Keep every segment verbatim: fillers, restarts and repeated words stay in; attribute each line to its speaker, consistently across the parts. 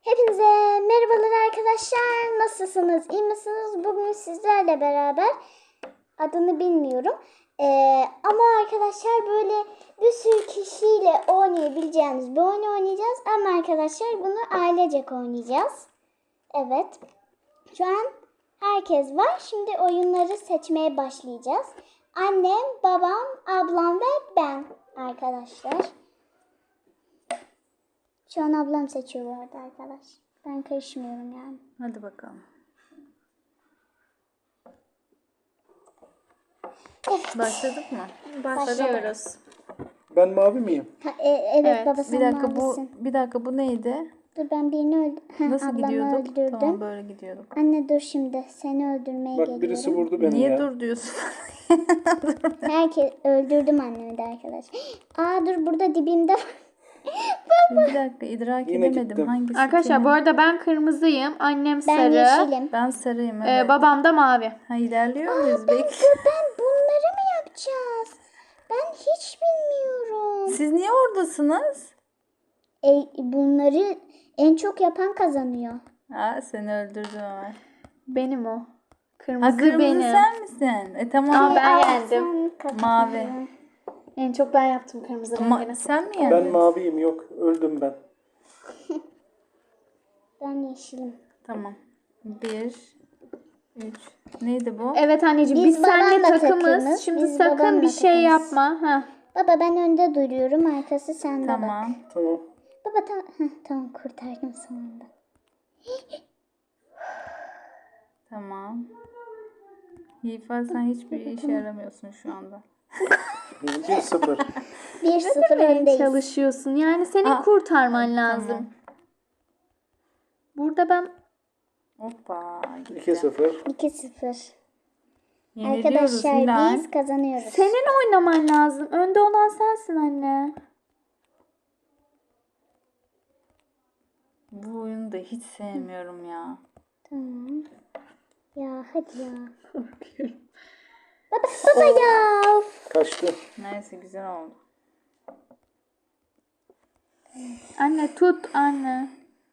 Speaker 1: Hepinize merhabalar arkadaşlar. Nasılsınız? İyi misiniz? Bugün sizlerle beraber adını bilmiyorum. Ee, ama arkadaşlar böyle bir sürü kişiyle oynayabileceğimiz bir oyun oynayacağız. Ama arkadaşlar bunu ailecek oynayacağız. Evet. Şu an herkes var. Şimdi oyunları seçmeye başlayacağız. Annem, babam, ablam ve ben arkadaşlar. Şu an ablam seçiyor bu arada arkadaş. Ben karışmıyorum yani.
Speaker 2: Hadi bakalım.
Speaker 1: Evet.
Speaker 2: Başladık mı?
Speaker 1: Başlıyoruz.
Speaker 3: Ben mavi miyim?
Speaker 1: Ha, e, evet,
Speaker 2: Evet.
Speaker 1: baba sen
Speaker 2: Bir dakika
Speaker 1: mavisin.
Speaker 2: bu bir dakika bu neydi?
Speaker 1: Dur ben birini öldürdüm.
Speaker 2: Nasıl
Speaker 1: Ablamı
Speaker 2: gidiyorduk?
Speaker 1: öldürdüm.
Speaker 2: Tamam böyle gidiyorduk.
Speaker 1: Anne dur şimdi seni öldürmeye
Speaker 3: Bak
Speaker 1: geliyorum.
Speaker 3: birisi vurdu beni
Speaker 2: Niye
Speaker 3: ya.
Speaker 2: dur diyorsun?
Speaker 1: Herkes öldürdüm annemi de arkadaş. Aa dur burada dibimde var.
Speaker 2: Bir dakika idrak
Speaker 3: Yine
Speaker 2: edemedim.
Speaker 3: gittim.
Speaker 2: Hangisi
Speaker 4: Arkadaşlar
Speaker 2: kimin?
Speaker 4: bu arada ben kırmızıyım. Annem
Speaker 1: Ben
Speaker 4: sarı.
Speaker 1: yeşilim.
Speaker 2: Ben sarıyım
Speaker 4: e,
Speaker 2: evet.
Speaker 4: babam da mavi.
Speaker 2: Ha ilerliyor muyuz? Bekle.
Speaker 1: Dur ben bunları mı yapacağız? Ben hiç bilmiyorum.
Speaker 2: Siz niye oradasınız?
Speaker 1: E, bunları en çok yapan kazanıyor.
Speaker 2: Ha seni öldürdüm Ömer.
Speaker 4: Benim o.
Speaker 2: Ha
Speaker 4: Kırmızı,
Speaker 2: kırmızı
Speaker 4: benim.
Speaker 2: sen misin? E tamam.
Speaker 4: Aa, ben
Speaker 1: Aa,
Speaker 4: yendim.
Speaker 1: sen kazandın.
Speaker 2: Mavi.
Speaker 4: En çok ben yaptım kırmızı
Speaker 2: Ma-
Speaker 4: rengini.
Speaker 2: sen mi
Speaker 3: Ben
Speaker 2: yendin?
Speaker 3: maviyim, yok öldüm ben.
Speaker 1: Ben yeşilim.
Speaker 2: Tamam. Bir, üç. Neydi bu?
Speaker 4: Evet anneciğim
Speaker 1: Biz
Speaker 4: biz, seninle
Speaker 1: babamla
Speaker 4: takımız.
Speaker 1: takımız,
Speaker 4: Şimdi
Speaker 1: biz
Speaker 4: sakın
Speaker 1: babamla
Speaker 4: bir şey
Speaker 1: takımız.
Speaker 4: yapma. Ha.
Speaker 1: Baba ben önde duruyorum, arkası sende bak.
Speaker 2: Tamam.
Speaker 3: Tamam.
Speaker 1: Baba tamam, heh, tamam kurtardım sonunda.
Speaker 2: Tamam. Yiğifa sen hiçbir işe yaramıyorsun şu anda.
Speaker 3: bir sıfır.
Speaker 1: bir sıfır
Speaker 4: Demeye
Speaker 1: öndeyiz.
Speaker 4: çalışıyorsun. Yani senin
Speaker 2: Aa,
Speaker 4: kurtarman lazım.
Speaker 2: Tamam.
Speaker 4: Burada ben
Speaker 2: Hoppa. gitti.
Speaker 3: iki sıfır.
Speaker 1: iki sıfır.
Speaker 2: Yeniliyoruz
Speaker 1: Arkadaşlar
Speaker 2: Hilal.
Speaker 1: biz kazanıyoruz.
Speaker 4: senin oynaman lazım. Önde olan sensin anne.
Speaker 2: Bu oyunu da hiç sevmiyorum ya.
Speaker 1: Tamam. Ya hadi ya. Baba, baba ya.
Speaker 3: Kaçtı.
Speaker 2: Neyse güzel oldu.
Speaker 4: Anne tut anne.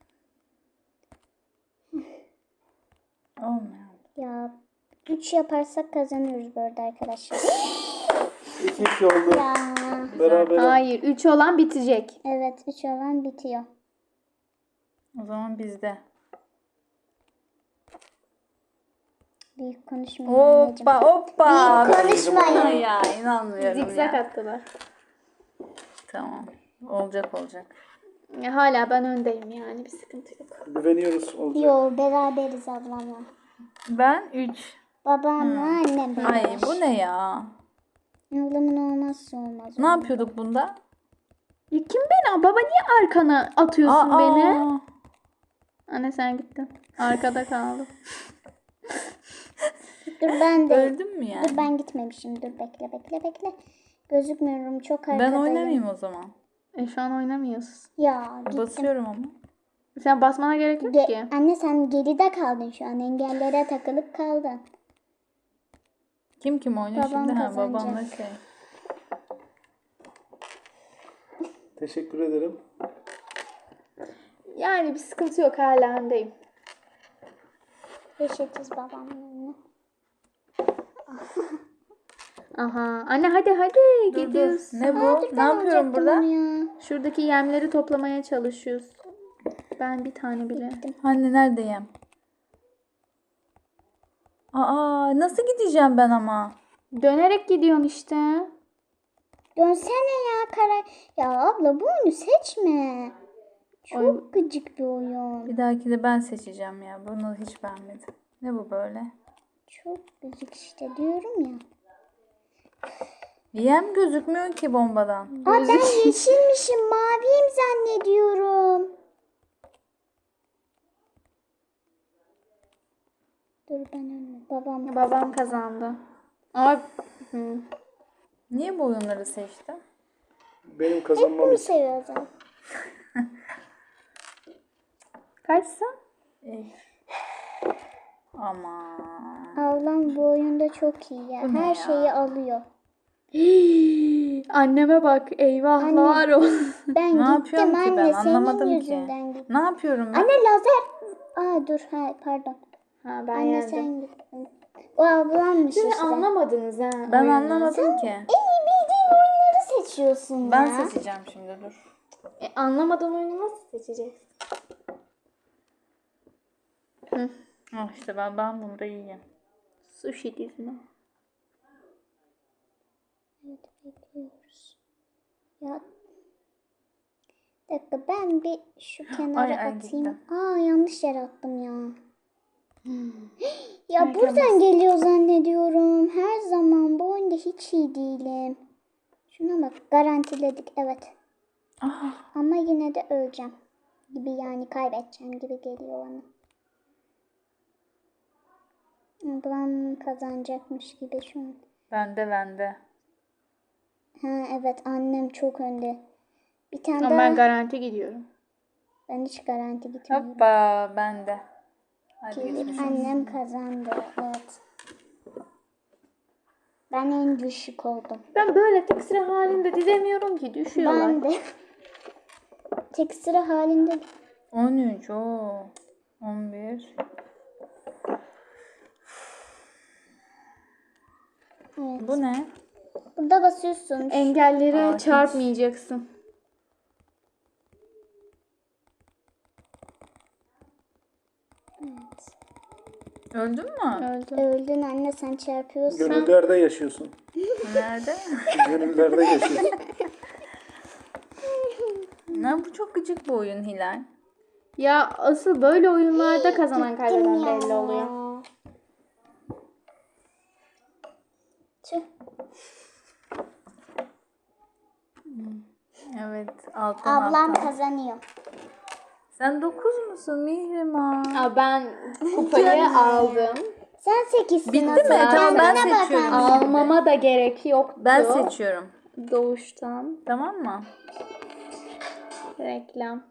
Speaker 2: Olmuyor.
Speaker 1: Ya üç yaparsak kazanıyoruz bu arada arkadaşlar.
Speaker 3: iki iki oldu.
Speaker 1: Ya.
Speaker 3: Beraber.
Speaker 4: Hayır. Üç olan bitecek.
Speaker 1: Evet üç olan bitiyor.
Speaker 2: O zaman bizde.
Speaker 1: Büyük konuşmayın anneciğim.
Speaker 2: Hoppa hoppa.
Speaker 1: Büyük konuşmayın.
Speaker 2: Ya inanmıyorum
Speaker 4: Zikzak
Speaker 2: ya.
Speaker 4: attılar.
Speaker 2: Tamam. Olacak olacak.
Speaker 4: Ya hala ben öndeyim yani bir sıkıntı yok.
Speaker 3: Güveniyoruz olacak.
Speaker 1: Yo beraberiz ablamla.
Speaker 2: Ben üç.
Speaker 1: Babamla annem beraber.
Speaker 2: Ay bu ne ya?
Speaker 1: Ablamın olmazsa olmaz.
Speaker 2: Ne yapıyorduk bunda?
Speaker 4: Ya kim beni? Baba niye arkana atıyorsun
Speaker 2: Aa,
Speaker 4: beni? Anne sen gittin. Arkada kaldım.
Speaker 1: Dur ben de.
Speaker 2: Öldüm mü yani?
Speaker 1: Dur ben gitmemişim. Dur bekle bekle bekle. Gözükmüyorum çok
Speaker 2: Ben
Speaker 1: arkadayım.
Speaker 2: oynamayayım o zaman.
Speaker 4: E şu an oynamıyorsun.
Speaker 1: Ya gittim.
Speaker 2: Basıyorum ama.
Speaker 4: Sen basmana gerek yok
Speaker 1: Ge-
Speaker 4: ki.
Speaker 1: Anne sen geride kaldın şu an. Engellere takılıp kaldın.
Speaker 2: Kim kim oynuyor
Speaker 1: Babam
Speaker 2: şimdi? Ha,
Speaker 1: kazanacak.
Speaker 2: babamla şey.
Speaker 3: Teşekkür ederim.
Speaker 4: Yani bir sıkıntı yok hala öndeyim.
Speaker 1: Eşitiz babamla anne.
Speaker 4: Aha. Anne hadi hadi
Speaker 2: Dur dur.
Speaker 4: gidiyoruz.
Speaker 2: Ne bu?
Speaker 1: Aa, dur,
Speaker 2: Ne
Speaker 1: ben
Speaker 2: yapıyorum
Speaker 1: alacaktım
Speaker 2: burada?
Speaker 1: onu ya.
Speaker 4: Şuradaki yemleri toplamaya çalışıyoruz. Ben bir tane bile.
Speaker 2: Anne neredeyim? Aa nasıl gideceğim ben ama?
Speaker 4: Dönerek gidiyorsun işte.
Speaker 1: Dönsene ya kara. Ya abla bu oyunu seçme. Çok gıcık bir oyun.
Speaker 2: Bir dahaki de ben seçeceğim ya. Bunu hiç beğenmedim. Ne bu böyle?
Speaker 1: Çok gıcık işte diyorum ya.
Speaker 2: Yem gözükmüyor ki bombadan.
Speaker 1: Aa ben yeşilmişim, maviyim zannediyorum. Dur ben önüme. Babam.
Speaker 4: Babam kazandı. Ama hı.
Speaker 2: Niye bu oyunları seçtin?
Speaker 3: Benim
Speaker 1: Hep
Speaker 3: kazanmam
Speaker 1: bunu
Speaker 3: için.
Speaker 1: seviyor zaten.
Speaker 4: Kaçsın?
Speaker 2: Eh. Aman.
Speaker 1: Ablam bu oyunda çok iyi ya.
Speaker 2: Bu ne
Speaker 1: Her
Speaker 2: ya?
Speaker 1: şeyi alıyor.
Speaker 4: Anneme bak eyvahlar olsun.
Speaker 1: Ben
Speaker 2: Ne
Speaker 1: gittim
Speaker 2: yapıyorum ki
Speaker 1: anne
Speaker 2: ben?
Speaker 1: senin
Speaker 2: Anlamadım ki.
Speaker 1: yüzünden gittim.
Speaker 2: Ne yapıyorum ben?
Speaker 1: Anne lazer. Aa dur ha, pardon.
Speaker 4: Ha ben
Speaker 1: Anne
Speaker 4: yendim.
Speaker 1: sen gittin. O ablammış
Speaker 4: Siz
Speaker 1: işte.
Speaker 4: anlamadınız ha.
Speaker 2: Ben
Speaker 4: oyunu.
Speaker 2: anlamadım ki.
Speaker 1: En iyi bildiğin oyunları seçiyorsun
Speaker 2: Ben
Speaker 1: ya.
Speaker 2: seçeceğim şimdi dur.
Speaker 4: E, anlamadan oyunu nasıl seçeceksin? Hı.
Speaker 2: Ah işte ben, ben bunu da yiyeyim.
Speaker 4: Sushi dizme.
Speaker 1: Evet bekliyoruz. Ya bir dakika ben bir şu kenara
Speaker 2: Ay, ay,
Speaker 1: atayım.
Speaker 2: gitti.
Speaker 1: Aa yanlış yere attım ya. Ya
Speaker 2: Erken
Speaker 1: buradan geliyor zannediyorum. Her zaman bu oyunda hiç iyi değilim. Şuna bak garantiledik evet.
Speaker 2: Ah,
Speaker 1: Ama yine de öleceğim. Gibi yani kaybedeceğim gibi geliyor bana. Ablam kazanacakmış gibi şu an.
Speaker 2: bende bende.
Speaker 1: Ha evet annem çok önde. Bir tane
Speaker 4: Ama
Speaker 1: daha.
Speaker 4: ben garanti gidiyorum.
Speaker 1: Ben hiç garanti gitmiyorum.
Speaker 2: Hoppa bende. Hadi
Speaker 1: Ki
Speaker 2: geçmiş olsun.
Speaker 1: annem kazandı. Evet. Ben en düşük oldum.
Speaker 4: Ben böyle tek sıra halinde dizemiyorum ki düşüyorlar.
Speaker 1: Ben de. Tek sıra halinde.
Speaker 2: on üç o. on bir.
Speaker 1: Evet.
Speaker 2: Bu ne?
Speaker 1: Burada basıyorsun.
Speaker 4: Engellere
Speaker 2: Aa, hiç.
Speaker 4: çarpmayacaksın.
Speaker 1: Evet.
Speaker 2: Öldün mü?
Speaker 4: Öldü.
Speaker 1: Öldün anne sen çarpıyorsun.
Speaker 3: Gönüllerde yaşıyorsun.
Speaker 2: Nerede?
Speaker 3: Gönüllerde yaşıyorsun.
Speaker 2: Ne bu çok gıcık bu oyun Hilal.
Speaker 4: Ya asıl böyle oyunlarda kazanan
Speaker 1: Gittim
Speaker 4: kaybeden
Speaker 1: ya.
Speaker 4: belli oluyor.
Speaker 1: Tüh.
Speaker 2: Evet alttan
Speaker 1: Ablam
Speaker 2: alttan.
Speaker 1: kazanıyor.
Speaker 2: Sen dokuz musun Mihrimah?
Speaker 4: Aa, ben kupayı aldım.
Speaker 1: Sen sekizsin.
Speaker 2: Bitti mi?
Speaker 1: asıl.
Speaker 2: Tamam, ben
Speaker 1: Kendine bak
Speaker 2: seçiyorum.
Speaker 1: anne.
Speaker 4: Almama da gerek yoktu.
Speaker 2: Ben seçiyorum.
Speaker 4: Doğuştan.
Speaker 2: Tamam mı?
Speaker 4: Reklam.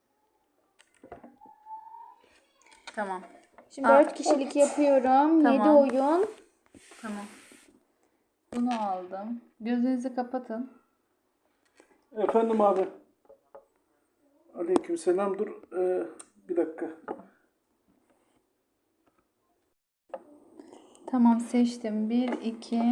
Speaker 2: Tamam.
Speaker 4: Şimdi
Speaker 2: Aa,
Speaker 4: dört kişilik yapıyorum.
Speaker 2: Tamam.
Speaker 4: yedi oyun.
Speaker 2: Tamam. Bunu aldım. Gözlerinizi kapatın.
Speaker 3: Efendim abi. Aleykümselam dur. Ee, bir dakika.
Speaker 2: Tamam seçtim. Bir, iki.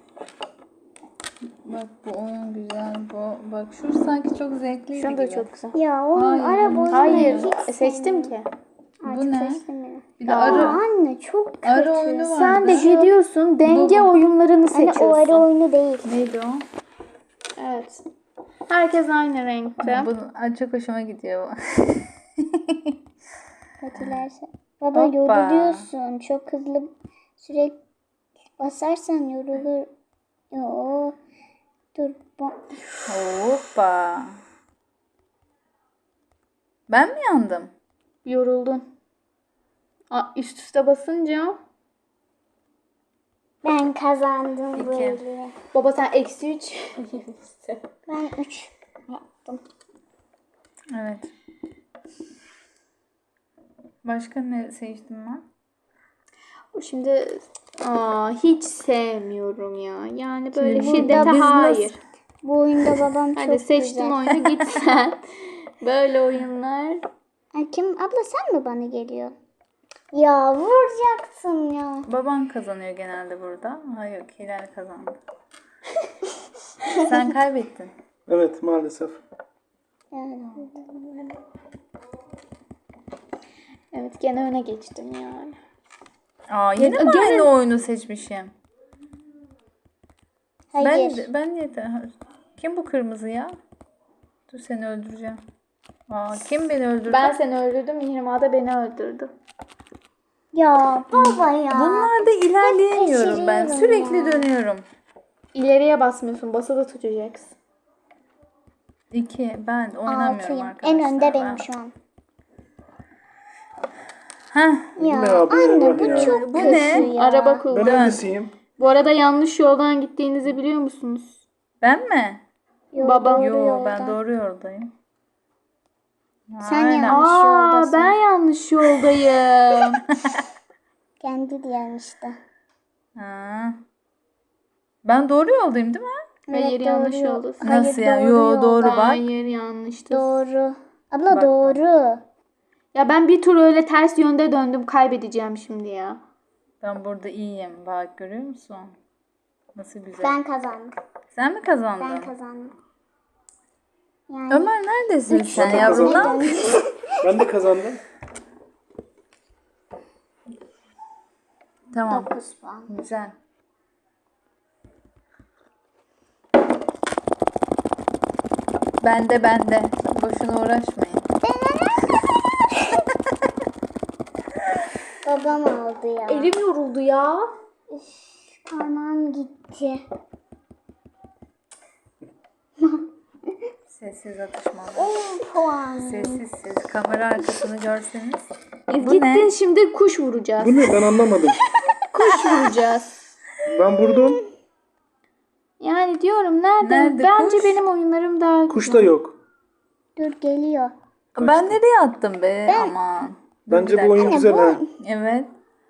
Speaker 2: Bak bu oyun güzel. Bu. Bak şu sanki çok zevkliydi
Speaker 4: Şunu da
Speaker 2: gibi.
Speaker 4: çok güzel.
Speaker 1: Ya onun
Speaker 2: Hayır,
Speaker 1: araba oyunu
Speaker 4: Hayır.
Speaker 1: hiç
Speaker 4: e, seçtim ki.
Speaker 1: Artık
Speaker 2: Bu ne?
Speaker 1: seçtim ya.
Speaker 2: Bir de
Speaker 1: Aa,
Speaker 2: arı,
Speaker 1: anne çok kötü.
Speaker 2: arı oyunu vardı.
Speaker 4: Sen de gidiyorsun denge
Speaker 2: Bu-
Speaker 4: oyunlarını
Speaker 1: Anne
Speaker 4: seçiyorsun.
Speaker 1: o arı oyunu değil.
Speaker 2: Neydi o?
Speaker 4: Evet. Herkes aynı renkte.
Speaker 2: Bu Ay, çok hoşuma gidiyor bu.
Speaker 1: Kötülerse. Baba
Speaker 2: Hoppa.
Speaker 1: yoruluyorsun. Çok hızlı sürekli basarsan yorulur. Yo. Dur. bu-
Speaker 2: Hoppa. Ben mi yandım?
Speaker 4: Yoruldun. Aa, üst üste basınca
Speaker 1: Ben kazandım
Speaker 2: İki.
Speaker 1: böyle.
Speaker 4: baba sen eksi üç.
Speaker 1: Ben üç yaptım.
Speaker 2: Evet. Başka ne seçtim ben?
Speaker 4: Şimdi aa, hiç sevmiyorum ya. Yani böyle
Speaker 2: Şimdi bu-
Speaker 4: şiddete
Speaker 2: biz nasıl-
Speaker 4: hayır.
Speaker 1: Bu oyunda babam çok
Speaker 4: Hadi seçtin
Speaker 1: güzel.
Speaker 4: oyunu git sen. Böyle oyunlar.
Speaker 1: Ay, kim? Abla sen mi bana geliyor? Ya vuracaksın ya.
Speaker 2: Baban kazanıyor genelde burada. Hayır, Hilal kazandı. Sen kaybettin.
Speaker 3: Evet maalesef.
Speaker 1: Yani.
Speaker 4: Evet gene öne geçtim yani.
Speaker 2: Aa, yine mi
Speaker 4: gene-
Speaker 2: aynı oyunu seçmişim?
Speaker 1: Hayır.
Speaker 2: Ben ben niye de- Kim bu kırmızı ya? Dur seni öldüreceğim. Aa, kim beni öldürdü?
Speaker 4: Ben seni öldürdüm. Mihrimah da beni öldürdü.
Speaker 1: Ya baba ya.
Speaker 2: Bunlarda ilerleyemiyorum ben.
Speaker 1: kaçırıyorum
Speaker 2: Sürekli
Speaker 1: ya.
Speaker 2: dönüyorum.
Speaker 4: İleriye basmıyorsun. Basılı tutacaksın.
Speaker 2: İki. Ben oynamıyorum
Speaker 1: Altıyım.
Speaker 2: arkadaşlar.
Speaker 1: En önde
Speaker 2: Ben-
Speaker 1: benim şu an.
Speaker 2: Heh.
Speaker 1: Ya
Speaker 3: ne abi
Speaker 1: anne
Speaker 3: ya,
Speaker 1: bu
Speaker 3: ya.
Speaker 1: çok
Speaker 2: Bu
Speaker 1: kötü
Speaker 2: ne?
Speaker 1: ya.
Speaker 4: Araba
Speaker 3: Ben
Speaker 4: kullan.
Speaker 3: hangisiyim?
Speaker 4: Bu arada yanlış yoldan gittiğinizi biliyor musunuz?
Speaker 2: Ben mi?
Speaker 1: Yo,
Speaker 4: Baba.
Speaker 1: doğru
Speaker 2: Yo
Speaker 1: yoldan.
Speaker 2: ben doğru yoldayım.
Speaker 1: Sen
Speaker 2: Aynen.
Speaker 1: yanlış
Speaker 4: Aa,
Speaker 1: yoldasın.
Speaker 4: ben yanlış yoldayım.
Speaker 1: Kendi diyen işte.
Speaker 2: Ha. Ben doğru yoldayım değil mi?
Speaker 4: Hayır
Speaker 1: Evet,
Speaker 4: yanlış
Speaker 1: doğru yol.
Speaker 4: yoldasın.
Speaker 1: Hayır,
Speaker 2: Nasıl ya?
Speaker 1: doğru
Speaker 2: Yo
Speaker 1: yolda.
Speaker 2: doğru bak.
Speaker 4: Hayır yanlıştı.
Speaker 1: Doğru. Abla
Speaker 2: Bak,
Speaker 1: doğru.
Speaker 4: Ya ben bir tur öyle ters yönde döndüm. Kaybedeceğim şimdi ya.
Speaker 2: Ben burada iyiyim. Bak görüyor musun? Nasıl güzel.
Speaker 1: Ben kazandım.
Speaker 2: Sen mi kazandın?
Speaker 1: Ben kazandım. Yani
Speaker 2: Ömer neredesin sen
Speaker 3: Zaten
Speaker 2: yavrum?
Speaker 3: kazandım.
Speaker 2: Lan?
Speaker 3: Ben de kazandım.
Speaker 2: Tamam.
Speaker 1: dokuz puan.
Speaker 2: Güzel. Bende bende. Boşuna uğraşmayın.
Speaker 1: Babam aldı ya.
Speaker 4: Elim yoruldu ya.
Speaker 1: Parmağım gitti.
Speaker 2: Sessiz atışmalar.
Speaker 1: on puan.
Speaker 2: Sessiz siz. Kamera arkasını görseniz.
Speaker 4: Biz
Speaker 2: Bu
Speaker 4: gittin
Speaker 2: ne?
Speaker 4: şimdi kuş vuracağız.
Speaker 3: Bu ne ben anlamadım.
Speaker 4: Kuş vuracağız.
Speaker 3: Ben vurdum.
Speaker 4: Yani diyorum nerede?
Speaker 2: Nerede
Speaker 4: Bence
Speaker 2: kuş?
Speaker 4: benim oyunlarım daha
Speaker 3: Kuş
Speaker 4: güzel.
Speaker 3: da yok.
Speaker 1: Dur geliyor.
Speaker 2: Ben nereye attım be? Aman.
Speaker 3: Bence
Speaker 2: Bir
Speaker 3: bu oyun
Speaker 2: dakika.
Speaker 3: güzel ha.
Speaker 2: Evet.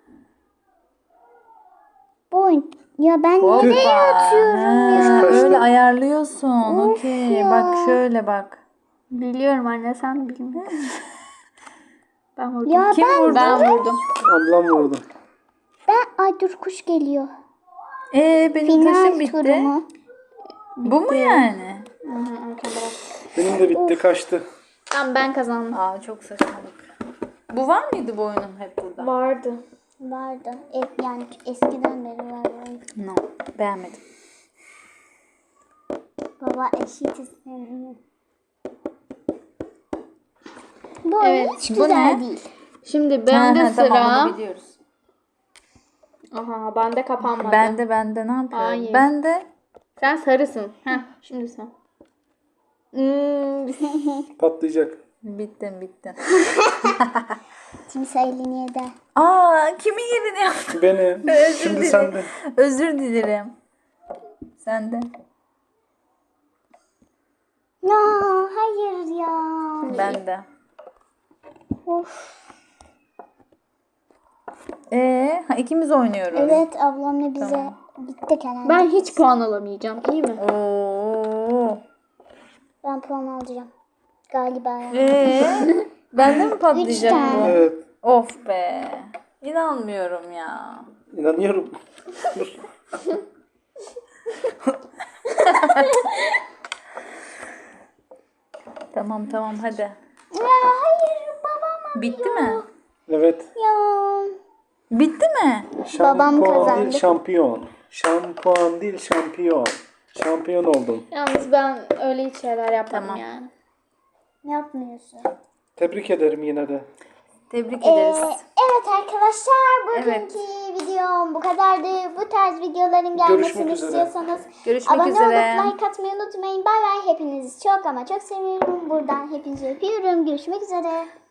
Speaker 1: Bu oyun. Ya ben
Speaker 2: Hoppa.
Speaker 1: nereye atıyorum
Speaker 2: Ha,
Speaker 1: ya?
Speaker 2: öyle ayarlıyorsun.
Speaker 1: Of
Speaker 2: Okey.
Speaker 1: ya.
Speaker 2: Bak şöyle bak.
Speaker 4: Biliyorum anne sen bilmiyorsun. Ben vurdum.
Speaker 1: Ya
Speaker 2: Kim
Speaker 1: ben,
Speaker 2: vurdu?
Speaker 4: Ben vurdum.
Speaker 3: Ablam vurdu.
Speaker 1: ben ay dur kuş geliyor.
Speaker 2: Ee benim taşım
Speaker 1: Final
Speaker 2: bitti.
Speaker 1: turumu.
Speaker 2: Bu mu yani?
Speaker 4: Hı hı, arkada bak.
Speaker 3: Benim de bitti kaçtı.
Speaker 4: Tamam ben kazandım.
Speaker 2: Aa çok saçmalık. Bu var mıydı bu oyunun hep burada?
Speaker 4: Vardı.
Speaker 1: Vardı. E, yani eskiden beri var bu oyun.
Speaker 2: No. Beğenmedim.
Speaker 1: Baba eşitiz. Bu oyun
Speaker 4: Evet,
Speaker 1: hiç
Speaker 2: bu
Speaker 1: güzel
Speaker 2: ne?
Speaker 1: değil.
Speaker 4: Şimdi bende
Speaker 2: Ha, ha,
Speaker 4: sıra.
Speaker 2: Tamam onu biliyoruz.
Speaker 4: Aha bende kapanmadı.
Speaker 2: Bende bende ne yapıyorum?
Speaker 4: Hayır.
Speaker 2: Bende
Speaker 4: Sen sarısın. Heh, şimdi sen. Hmm,
Speaker 3: Patlayacak.
Speaker 2: bittim bittim.
Speaker 1: Kimse elini yeder.
Speaker 2: Aa kimin yerini yaptın?
Speaker 3: Beni.
Speaker 2: Özür
Speaker 3: Şimdi
Speaker 2: dilerim.
Speaker 3: sen de.
Speaker 2: Özür dilerim. Sen de.
Speaker 1: Ya hayır ya.
Speaker 2: Ben de.
Speaker 1: Of.
Speaker 2: Ee, ha, ikimiz oynuyoruz.
Speaker 1: Evet ablamla bize gittik herhalde.
Speaker 4: ben hiç puan alamayacağım. İyi mi?
Speaker 2: Oo.
Speaker 1: Ben puan alacağım. Galiba ya.
Speaker 2: Ee, bende mi patlayacak
Speaker 1: Üç tane.
Speaker 2: bu?
Speaker 3: Evet.
Speaker 2: Of be. İnanmıyorum ya.
Speaker 3: İnanıyorum. Dur.
Speaker 2: Tamam tamam hadi.
Speaker 1: Ya hayır babam
Speaker 2: Bitti mi?
Speaker 3: Evet.
Speaker 1: ya.
Speaker 2: Bitti mi?
Speaker 1: Babam
Speaker 3: Şampuan
Speaker 1: kazandı.
Speaker 3: değil şampiyon. Şampuan değil şampiyon. Şampiyon oldum.
Speaker 4: Yalnız ben öyle hiç şeyler yapmadım
Speaker 2: Tamam.
Speaker 4: yani.
Speaker 1: Ne yapmıyorsun?
Speaker 3: Tebrik ederim yine de.
Speaker 2: Tebrik
Speaker 1: Ee,
Speaker 2: ederiz.
Speaker 1: evet arkadaşlar bugünkü
Speaker 2: Evet.
Speaker 1: videom bu kadardı. Bu tarz videoların gelmesini
Speaker 3: Görüşmek üzere.
Speaker 1: istiyorsanız
Speaker 2: Görüşmek
Speaker 1: abone
Speaker 2: üzere.
Speaker 1: olup like atmayı unutmayın. Bay bay. Hepinizi çok ama çok seviyorum. Buradan hepinizi öpüyorum. Görüşmek üzere.